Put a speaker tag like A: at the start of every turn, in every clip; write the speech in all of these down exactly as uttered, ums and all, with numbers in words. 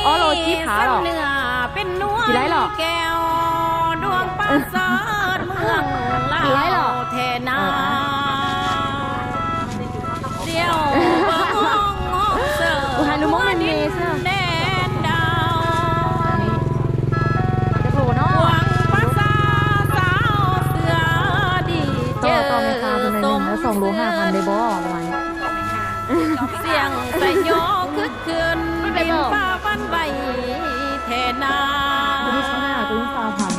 A: อ๋อโลจิผาหรอ
B: เนื้อเป็นนวล
A: กี่ไรหรอ
B: แก้วดวงประเสริฐเมืองลา
A: กี่ไรหรอ
B: วเทนาเดียวเบิ่งมองเสิร์
A: อุฮานุมงมันเมส
B: แดนดาว
A: จะโผล่เนาะ
B: หวังภาษาสาวเสือดีเจ
A: ต่อ
B: อ
A: ต่อราคาเป็นหนึ่งแล้วสองโลห้าพันได้บ่ประมาณนี้
B: เสียงสยโยคึกคืนดินฟ้าวันใบเทนา
A: ตัวนี้ห้าตัวนี้สามพัน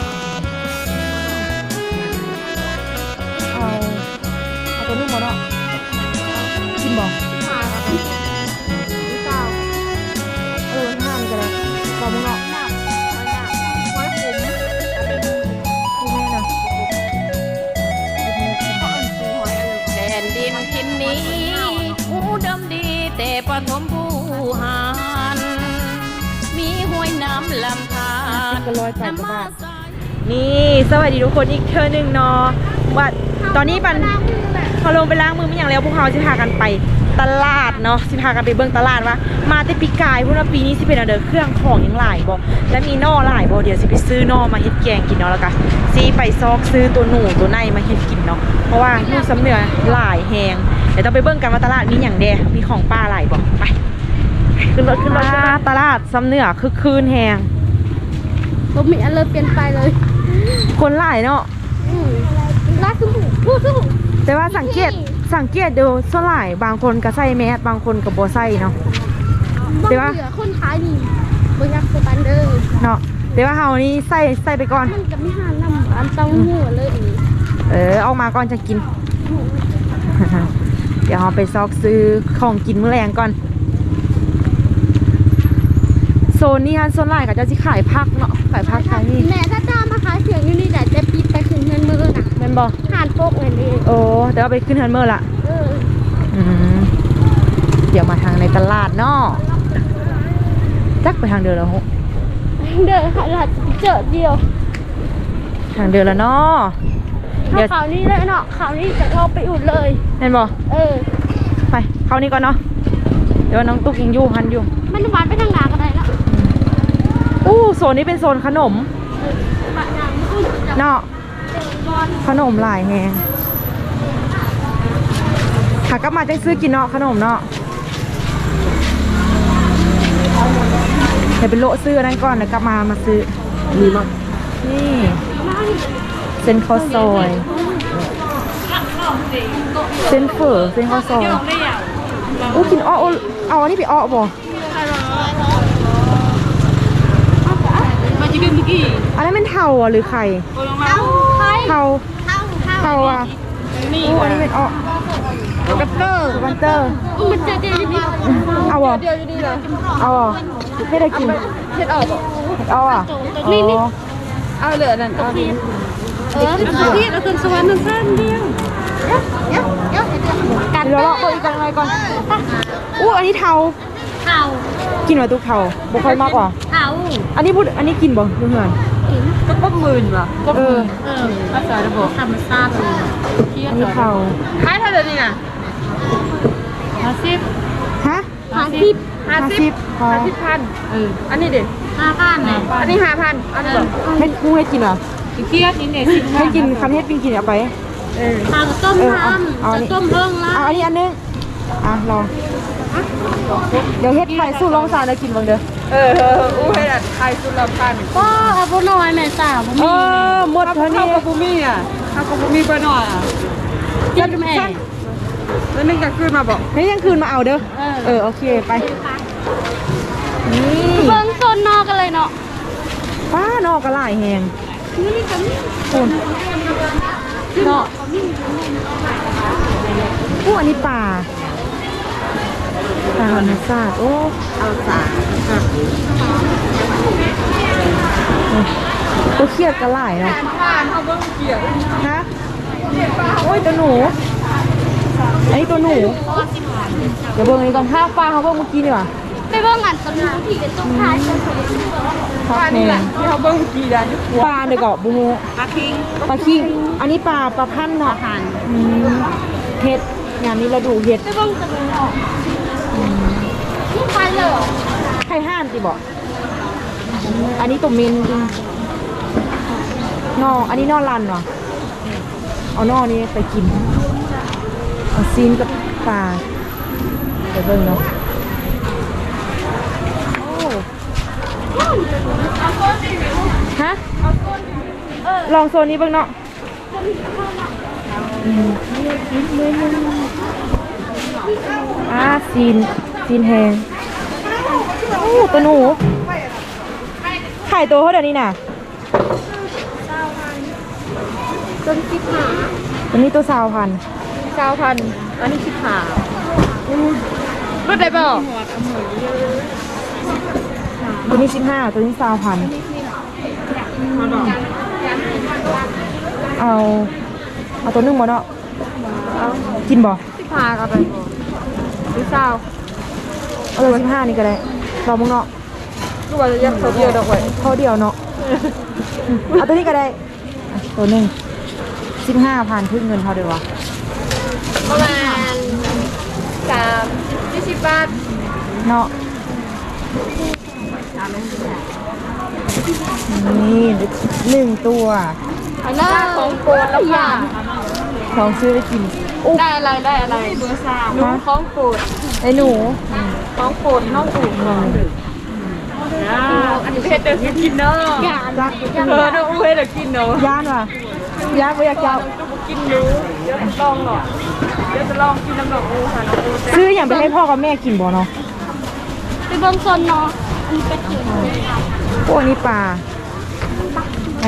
A: เอาเอาตัวนี้หมดเนาะกินบ่เออห้ามกันเลยลองมึงเนาะกูแม่เนาะ
B: แดนดินทินนี้หูดำดีแต่ปฐมผู้หารมีห้วยน้ำลำธาร
A: ก็ร้อยแปดกว่าบาท นี่สวัสดีทุกคนอีกเทอหนึ่งเนาะว่าตอนนี้ปันเขาลงไปล้างมือไม่อย่างแล้วพวกเขาจะพากันไปตลาดเนาะสิพากันไปเบิ่งตลาดว่ามาแต่ปีกายพวกเราปีนี้สิเป็นอะไรเครื่องของยังหลายบ่และมีนอหลายบ่เดี๋ยวสิไปซื้อนอมาเฮ็ดแกงกินเนาะแล้วก็สิไปซอกซื้อตัวหนูตัวในมาเฮ็ดกินเนาะเพราะว่าลูกสำเนือหลายแฮงเดี๋ยวต้องไปเบิ่งกันว่าตลาดมีอย่างแดมีของป้าหลายบ่ไปขึ้นรถขึ้นรถตลาดสำเนือคึกคืนแฮง
C: บ่มีอะไรเปลี่ยนไปเลย
A: คนหลายเนาะ
C: อืมรักสมุพูดสมุ
A: แต่ว่าสังเกตสังเกตดูส่วนหลายบางคนก็ใส่แมสบางคนก็บ่ใส่เนาะ
C: บ่
A: แต่ว่า
C: เหลือคนขายนี่บ่อยากสปันเด้อ
A: เนาะแต่ว่าเฮานี่ใส่ใส่ไปก่อน
C: มันก็ไม่หานำอันต้องหัวเลยอีก
A: เออเอามาก่อนจะกิน เดี๋ยวเราไปซอกซื้อของกินมื้อแรงก่อนโซนนี้ฮันโซนหลายก็จะสิขายผักเนาะขายผักขายนี่
C: แม่ถ้าจ้ามาขายเสียงอยู่นี่แต่จะปิดไปขึ้นเงินมือน่ะ
A: แม่นบ่
C: หานโปกเงินนี่
A: โอ้เดี๋ยวเอาไปขึ้นเฮินเมอร์ละ
C: เออ
A: อืมเดี๋ยวมาทางในตลาดเนาะจักไปทางเดินแล้วฮะ
C: เด้อค่ะเราเจอเดียว
A: ทางเดินแล้วเนาะ
C: ถ้า
A: เดี๋ยว
C: ข่าวนี้เลยเนาะข่าวนี้จะเราไปอุดเลย
A: แม่นบ่
C: เออ
A: ไปเข้านี่ก่อนเนาะเดี๋ยวน้องตุ๊กยังอยู่หันอยู่
C: มันหวานไปทางหนาก็ได้แล้ว
A: อู้โซนนี้เป็นโซนขนม
C: บะนางอุ้ยจะ
A: เนาะ
C: บอล
A: ขนมหลายแฮงหากลับมาจะซื้อกินเนาะขนมเนาะเดี๋ยวไปโละซื้ออันนั้นก่อนเดี๋ยวกลับมามาซื้อมีมั้ยนี่เส้นข้าวซอยเส้นเฝอเส้นข้าวซอยอู้กินอ้อเอาเอาอันนี้ไปอ้อบ่
B: มาจิกินกี่
A: อันนั้นเป็นเทาอ่ะหรือไข่
C: เอาใคร
A: เทา
C: เอาเอา
A: เทาอ่ะ
B: นี่
A: อู้อันนี้เป็นอ้อ
B: กับเตอร์
A: วันเตอร์
C: มันจะเดียวอยู่นี่
A: เอาอ่ะ
B: เดียวอยู่ดีเลย
A: เอาอ่ะไม่ได้กิน
B: เช็ดออก
A: เอาอ่ะ
C: นี่นี่
B: เอาเหลือนั่นเอาดิ
C: เออ
B: พี่เราขึ้นสวรรค์นั่นสั้นเดียว
C: เดี๋ยวเดี๋ยวเดี๋ยวกั
A: เดี๋ยวเราเอาอีกกันอะไรก่อนอู้อันนี้เทา
C: เข่า
A: กินมาตุกเทาบ่ค่อยมากกว่า
C: เข่า
A: อันนี้พูดอันนี้กินบ่เพื่อน
B: ก็ป้อมมื่นว่ะ
A: เออ
B: เออภาษาระบบ
C: ธรรมชาติเลย
A: อันนี้เทา
B: ขายเท่าไหร่นี่น่ะห้าสิบ
A: ฮะ
C: หาสิบ
B: ห้าสิบ
A: พอ
B: ห้าสิบพันเอออันนี้เด็ด
C: ห้าพันเนี่ย
B: อันนี้ห้าพันอันนี้แบบ
A: ให้กูให้กินเหรอ
B: เครียดนี่เนี่ยสิบ
A: ให้กินคันเฮ็ดปิงกินเอาไป
B: เออ
C: ทางต้ม
A: เออ
C: ท
A: เอาเอาอัน
C: ำ
A: นี้
C: จะต้มเพิ่งละ
A: เอาอันนี้อันนึงอ่ะลองเดี๋ยวเฮ็ดไข่สู้ลองสารแล้วกินบ้างเด้อ
B: เออเอออู้ให้ดัดไทยสุดละพัน
C: ก็เอาบุน้อยแม่สาวบุ
A: เอ
C: มี
A: อหมดเท่า
B: ข้า
A: นี้
B: วกับบุมี่อ่ะข้าวกับบุมี่ไปหน่อยอ่ะ
C: กินแม่
B: แล้วนึงจะขึ้นมาบอก
A: ให้ยังคืนมาเอาเด้อเออโอเคไปนี่
C: เพิ่งโซนนอกกันเลยเนาะ
A: ป้านอกกระหลายแหง
C: นี่กันนี่
A: คุณเนาะอู้อันนี้ปลาปลาธรรมชาติโอ้
B: เอาสา
A: ตัวเครียดกระหลายเนาะ
B: ผ่านเอาเบิ้งเกี่ยว
A: ฮะโอ้ยตัวหนูอันนี้ตัวหนูเดี๋ยวเบิ้งอันนี้ก่อนถ้าปลาเขาเบิ้งเมื่อกี้นี่หว่า
C: ไปเบิ่งอันต้นที่เป็นต้นท้ายต้นสวย
A: พัก
B: อัน
A: แห
B: นี้แห
A: ง
B: ละที่เขาเบิ้งกี่ดัน
A: ปลาเดี๋ยวเกาะบูโม
B: ปลาคิง
A: ปลาคิงอันนี้ปลาปลาพันธุ์เนาะอืมเห็ดงานนี้เราดูเห็ด
C: ไปเบิ่งกันเลยเนาะนี่ไปเลย
A: ไข่ห่านสิบอกอันนี้ตุ่มมินนออันนี้นอรันวะเอานอนี้ไปกินเอาซีนกับปลาไปเบิ่งเนาะโอ้ฮะลองโซนนี้เบิ่งเนาะอ่าซีนซีนแหงโอ้ตัวหนูไข่ตัวเท่าเดี๋ยวนี้น่ะ
C: ต้นสิบหา
A: ตัวนี้ตัวสาวพัน
C: เก้าพันอันนี้สิบหา
A: รถได้เปล่าตัวนี้สิบห้าตัวนี้สาวพันเอาเอาตัวนึ่งมาเนาะกินบ่
C: สิบหากับไปหรือเศร้า
A: เอาตัวสิบห้านี่ก็ได้รอมึงเนาะ
C: ก็ว่าจะยักเขาเดียวดอกไว้
A: เท่าเดียวเนาะเอาตัวนี้ก็ได้อ่ะตัวหนึ่งสิบห้าพันขึ้นเงินเท่าเดียววะ
C: ประมาณสามยี่สิบบาท
A: เนาะนี่หนึ่งตัว
C: อันนั้นของโปรดแล้วค่ะ
A: ลองซื้อไปกินอุ๊บ
C: ได้อะไรได้อะไรเบอร์สามหนูของโปรด
A: ไอ้หนู
C: ของโปรดน้องอู๋อันนี้เพชรเดี๋ยวกินเนาะ
A: จัก
C: เออน้องอู๋เพชรเดี๋ยวกินเนาะ
A: ย่านว่ะย่านไม่อยากจะ
C: กินรู้เดี๋ยวลองหน่อยเดี๋ยวจะลองกินน้ำดอกอู๋ค่ะน้องอู๋
A: ซื้ออย่างไปให้พ่อกับแม่กินบ่เนาะ
C: ไปเบิ่งโซนเนาะอันนี้เป็นถือ
A: พวกนี้ปลาอ่ะ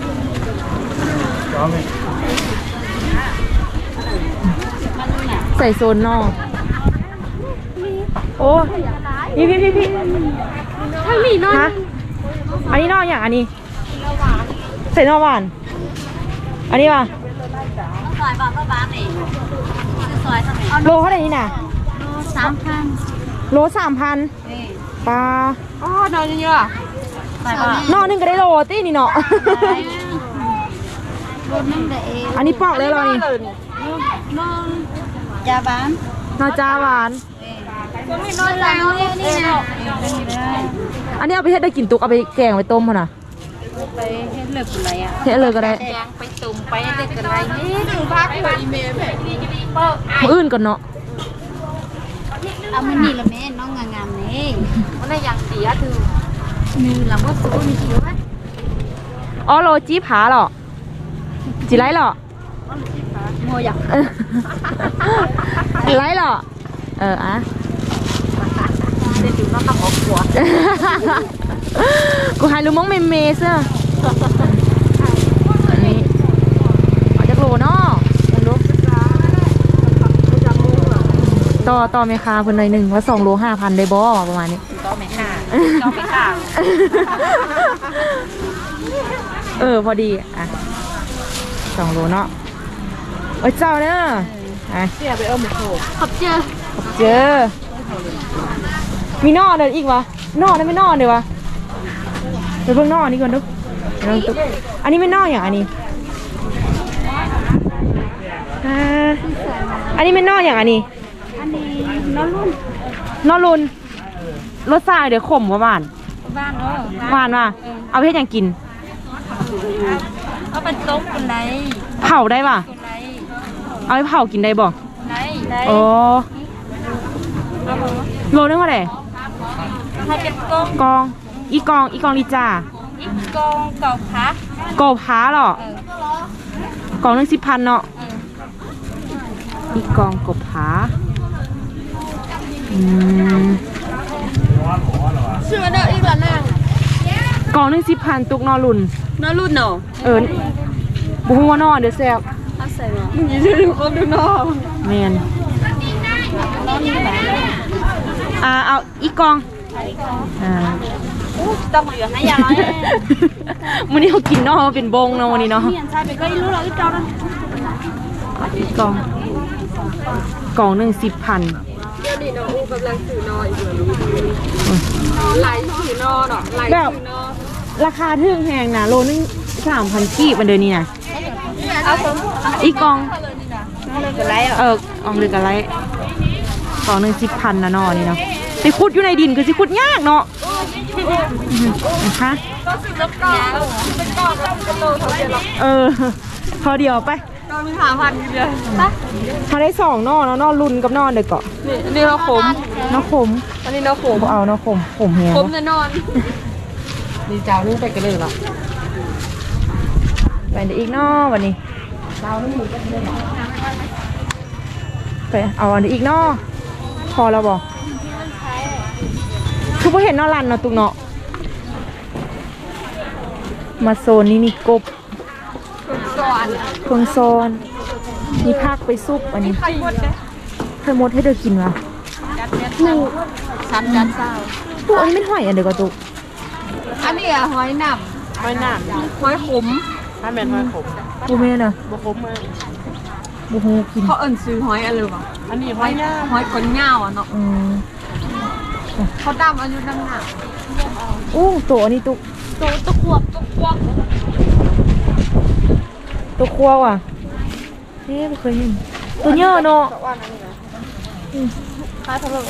A: ใส่โซนนอกโอ้พี่พี่พี่พี่
C: ถ้ามีน้อย
A: ฮะอันนี้นอกอย่างอันนี้ใส่นอกหวานอันนี้ป่ะ
B: ซอยบอกว่าบ้านนี่ซอยทำไม
A: โลเท่าไหร่นี่น่ะ
B: สามพัน
A: โลสามพันปลา
C: อ๋อน้อยเยอะ
B: ซอยบอก
A: นอกนึงก็ได้โลตีนี่เนาะ
B: รถนั่งได้เอง
A: อันนี้ปอกเลยเหรอนี่
B: นอนยาบ้าน
A: นอจ้าหวาน
B: มีนอนแล้วนี่นี่นะ
A: อันนี้เอาไปเฮ็ดได้กินตุกเอาไปแกงไปต้มพอนะ
B: ไปเฮ็ดเลิกอะไรอ่ะ
A: เฮ็ดเลยก็ได้
B: แกงไปตุ่มไปเด็กอะไรนี่ถึงพักไปเมย์แบบนี้จะดีเปิ้ล
A: มื้ออื่นก่อนเนาะ
B: เอามันนี่ละแม่น้องงามๆนี่มันได้อย่างเสียถือมือหลังว่าสู้มีเขียวไหม
A: อ๋อโลจี้ผาเหรอจีไรเหรอ
B: โมอยาก
A: จีไรเหรอเอออะ
B: เด็กอยู่นอกกับหัวขวด
A: กูหายรู้มั้งเมเมเซ่ออันนี้เอาจากโลเนาะลองดูต่อต่อเมคาเพิ่นหน่อยหนึ่งว่าสองโลห้าพันได้บ่ประมาณนี้
B: ก็ไม่ค่ะก็ไม่ค่ะ
A: เออพอดีอ่ะสองโลเนาะโอ้ยเจ้าเนอะอ่ะ
C: เสียไปเออหมูโขกขอบเจอ
A: เจอ มีนอเดินอีกวะนอนั่นไม่นอเดี๋ยววะเดี๋ยวเพิ่งนอนี่ก่อนดูเดี๋ยวลองตุ๊กอันนี้ไม่นออย่างอันนี้อ่าอันนี้ไม่นออย่างอันนี้
C: อันนี้น้องรุ่น
A: นอรุนรสชาติเดี๋ยวขมว่าหวาน
C: บ้านเนาะ
A: หวานว่ะเอาไปให้ยังกิน
B: เอาเป็นต้มคนไร
A: เผาได้ป่ะ
B: คนไร
A: เอาไปเผากินได้บ่
B: ไรไร
A: โอ้โลนึงเท่าไหร่
B: ให้เป็นก้ม
A: กอง อีกอง อีกองลีจ่า
B: อีกกองเก่าพัก
A: กบพ้าเหรอ
B: เออก
A: องหนึงสิบพันเนาะ
B: เออ
A: อีกองกบพ้าอืม
C: ชื่อเด้ออีกแล้วนะ
A: กองหนึงสิบพันตุกนอรุน
C: น้องรุ่นเนาะ
A: เออบุ้งว่านอเดี๋ยวแซ่บ
C: เอาใส่มานี่ชื่อดูคนดูน้อง
A: แมน
B: น้องนี่แบบ
A: อ่าเอาอีกอง อ่า
B: ต้องเหลือให้ยาร้อย
A: วันนี้เขากินเนาะเป็นบงเนาะวันนี้เนาะ
B: เปลี่ยนใช่ไปก็รู้เราอีกเจ้านั้น
A: อีกอง กองหนึ่งสิบพัน
C: เดี๋ยวนี้น้องอูกำลังสื่อนออีกแล้วไหลสื่อนอเนาะไหล
A: แบบ
C: สื่อนอ
A: ราคาทึ่งแพงนะโลนึงสามพันกีบมันเดือนนี้นะ
C: เอาสม
A: อีกอง
B: เลิกอะไรอ่ะ
A: เอออองเดือนกันไรกองหนึ่งสิบพันนะเนอนี่เนาะแต่สิขุดอยู่ในดินคือสิขุดยากเนาะนะคะ
C: ก็ซื้อน้ำกอกเป็นกอกแล้วเป็นโลเท่าไหร่หรอ
A: เออพอเดียวไป
C: ก็มีหาพันอยู่เดียว
A: เขาได้สองนอเนาะนอรุนกับนอเด็กเกาะ
C: นี่นี่เราขม
A: นอขม
C: อันนี้เราขม
A: บ่เอานอขมขมแฮง
C: ขมแน่นอนนี่เจ้านึงไปกันเลยหรอ
A: ไปเดี๋ยวอีกนอวันนี้ไปเอาอันนี้อีกนอพอแล้วบ่คือพอเห็นนอรันเนาะตุกเนาะมาโซนนี้มีกบ
C: ก่อน
A: เพิงโซนมีภาคไปซุปอันนี้
C: ไข่หมดเลย
A: เคยมดให้เธอกินวะ
C: หนึ่งชั้นยันเศร้า
A: ตุกอันนี้ไม่ห่อยอันเดียวกับตุก
C: อันนี้อะหอยหนับหอยหนับหอยขมถ้าเป็นหอยขม
A: บูเม่เนาะ
C: บ่ขมเลย
A: บูฮูกิน
C: เขาเอิ้นซื้อหอยอะไรวะอันนี้หอยหอยก้นเหงาอ่ะเนาะ
A: อืม
C: เขาดำอายุนั่งหนา
A: อู้ตัวอันนี้ตุก
C: ตัวตะขวบตะขวบ
A: ตัวคั่วว่ะเอ๊ะไม่เคยเห็นตัวเยอะเนาะ
C: ค่าเท่าไหร่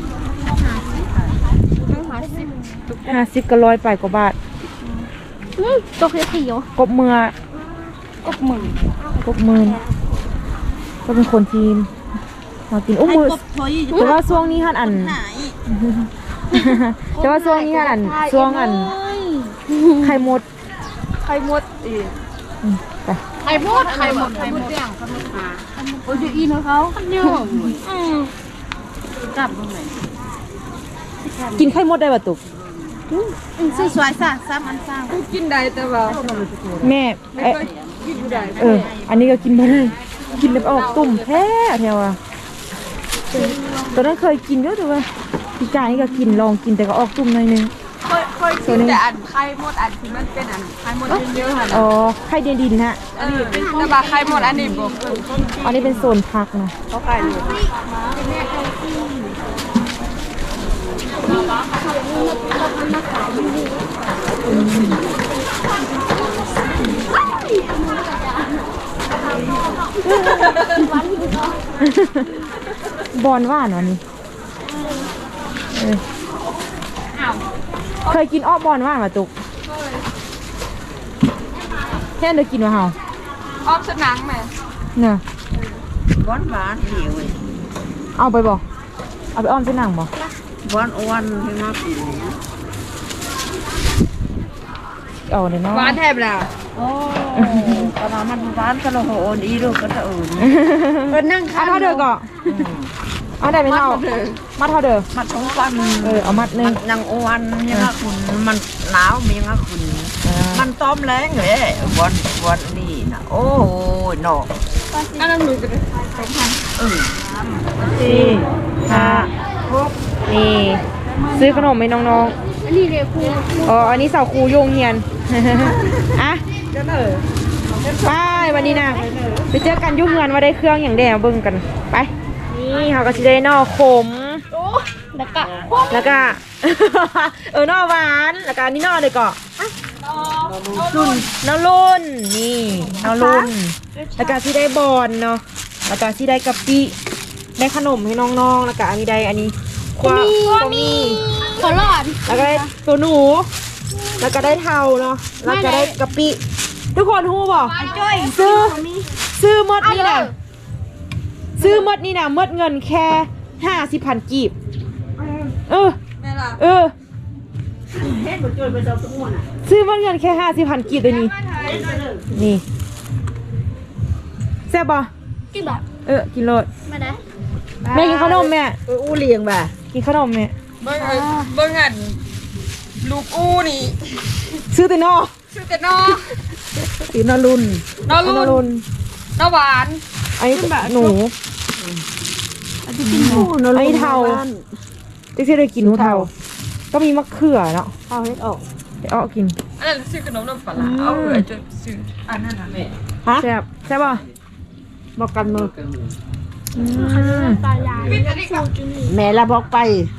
C: ห้าสิบ
A: ห้าสิบก็ร้อยไปกว่าบาท
C: ตัวคือผิว
A: กบเมือก
C: บหมื่น
A: กบหมือก็เป็นคนจีนมากินอุ้มมือแต่ว่าช่วงนี้ฮันอัน แต่ว่าช่วงนี้ฮันอันช่วงอันไข่มด
C: ไข่มดอีก
A: อืมไป
C: ไข่มดไข่มดไข่มดย่างไข่มดหาโอ้ยอีนเขาเยอะอืมจับตรงไหน
A: กินไข่มดได้ป่ะตุก
C: ซื้อสวยซะสามอันสามกินได้แต่ว่า
A: แม่เอ๊ะ
C: กินได้
A: เออ อันนี้ก็กินไม่ได้กินแล้วออกตุ่มแท้แถวอ่ะตอนนั้นเคยกินด้วยแต่ว่าพี่กายนี่ก็กินลองกินแต่ก็ออกตุ่มหน่อยนึง
C: เคยเคยกินแต่อันไข่มดอันที่มันเป็นอันไข่มดเยอะๆค่ะ
A: อ๋อไข่เดียนดินฮะ
C: อันนี้เป็นแต่ว่าไข่มดอันนี้บอก
A: อันนี้เป็นโซนพักนะ
C: เขาขายอยู่
A: บอลว่านวันนี้เออเคยกินอ้อบอลว่านมาตุกแค่เดี๋ยวกินมาเฮา
C: อ้อมสนังแม่
A: เนี่ย
D: หวานหวานเดียวเว้ย
A: เอาไปบ่เอาไปอ้อมเส้นหนังบ่
D: หวานอ้วนให้มากิน
A: เอาเลยเนาะ
C: หวานแทบแล้ว
D: โอ้ตอนนั้นมันหวานก็เราโหนอีลูกก็จะเอื่น
C: ก็นั่ง
A: เอาเท่าเดิมก่อนเอาได้ไหมเท่ามัดเท่าเดิม
D: มันสองวัน
A: เออเอามัดหนึ
D: มั
A: ง
D: นยังอ้วนยังอะคุณมันหนาวมียังอะคุณ มันต้มแรงเลยหวานหวานนี่นะโอ้ยเนาะ
C: อันนั้นหนูจะไปสองพัน
D: เออ
A: สี่ห้าหกนี่ซื้อขนมให้น้องๆ
C: อันนี้เลยครู
A: อ๋อ อันนี้สาวครูโยงเฮียน อ่ะไปวันนี้นะไปเจอกันอยุ่งเงินว่าได้เครื่องอย่างแดงเบิ่งกัน ไป นี่เขาก็จะได้นอขม
C: แล้วก็
A: แล้วก็ เออนอหวาน แล้วก็อันนี้นอเลยก่อนรุ่นนอรุ่น นี่นอรุ่น แล้วก็ที่ได้บอลเนาะ แล้วก็ที่ได้กะปิ ได้ขนมให้น้องๆ แล้วก็อันนี้ได้อันนี้ควาความี
C: ขอหลอด
A: แล้วก็ได้ตัวหนู แล้วก็ได้เทาเนาะ แล้วก็ได้กะปิ ทุกคนฮู้บ่ซื้อ ซื้อหมดนี่นะซื้อหมดนี่นะหมดเงินแค่ห้าสิบพันกีบ เออ
C: แม่ล่ะ
A: เออ ซื้อหมดเงินแค่ห้าสิบพันกีบตัวนี้ นี่แซ่บบ่
C: กินแบบ
A: เออ กินโลด
C: มาได้
A: แม่กินขนมแม่
D: เอออู้เลียงบ่ะ
A: กินขนมแม่
C: เบิ่งเบิ่งอันลูกอู้นี่
A: ซื้อแต่นอ
C: ชื่อแต่นอ
A: ซื้อนอรุ่น
C: นอรุ่น
A: นอรุ่น
C: นอหวาน
A: อันนี้หนู อันนี้เทาที่ที่ได้กินหนูเทา ก็มีมะเขือเนาะ
D: เอาเฮ็ดออก
A: เดี๋ยวเอากิน
C: อันนั้นซื้อขนมนมปลาร้าเอาไอ้จุดซื้ออันนั้นน่ะแม่
D: ฮะ
A: แซ่บแซ่บป่ะ
D: บอกกันมือ
A: อืม
C: ปิดอันนี้ก่อน
D: แม่ละบอกไป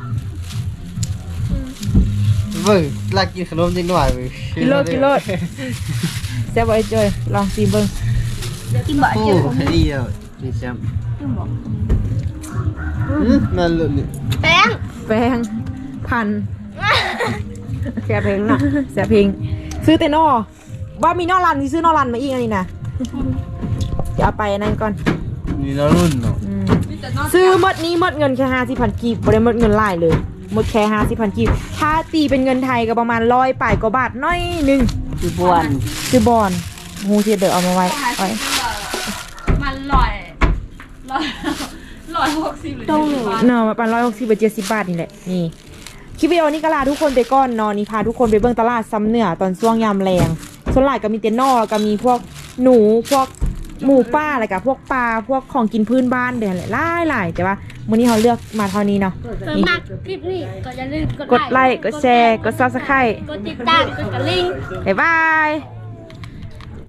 E: เบิ่งลากกินขนมจริงหน่อยเว้ย
A: กินโลดกินโลดแซ่บบ่ไอ้จอยลองซีเบิ้ง
C: กินบ่
E: โอ้ดีแล้วดีแชมป์อืมนั่นเลยนี่
C: แป้ง
A: แป้งพัน
D: แกเพลงน่ะ
A: เสียเพลงซื้อแต่นอว่ามีนอรันมีซื้อนอรันมาอีกอันนี้นะเดี๋ยวเอาไปอันนั้นก่อน
E: นี่แล้วรุ่นเนาะ
A: อืมซื้อหมดนี้หมดเงินแค่ห้าสิบพันกีบไม่ได้หมดเงินหลายเลยหมดแค่ห้าสิบพันกีบถ้าตีเป็นเงินไทยก็ประมาณร้อยป่ายกว่าบาทน้อยหนึง
D: คือบวน
A: ซื้อบอลฮูเทียเดี๋ยวเอามาไว้ไว้
C: มันลอยลอยลอยหกสิบหรือเจ็ดสิบบาท
A: เนาะมาประมาณร้อยหกสิบเจ็ดสิบบาทนี่แหละนี่คลิปวิดีโอนี้ก็ลาทุกคนไปก่อนเนอนนี่พาทุกคนไปเบิ่งตลาดซ้ำเหนือตอนช่วงยามแรงส่วนหลายก็มีเต็นนอแล้วก็มีพวกหนูพวกหมูป่าอะไรกับพวกปลาพวกของกินพื้นบ้านเดี๋ยวแหละหลายหลายแต่ว่ามื้อนี้เขาเลือกมาเท่านี้เนาะ
C: ส่วน
A: นี่
C: มากคลิปนี้ก็อย่าลืม
A: กดไลค์กดแชร์กด ซับสไครบ์
C: กดติดตามกดกระลิ่ง
A: บ๊ายบาย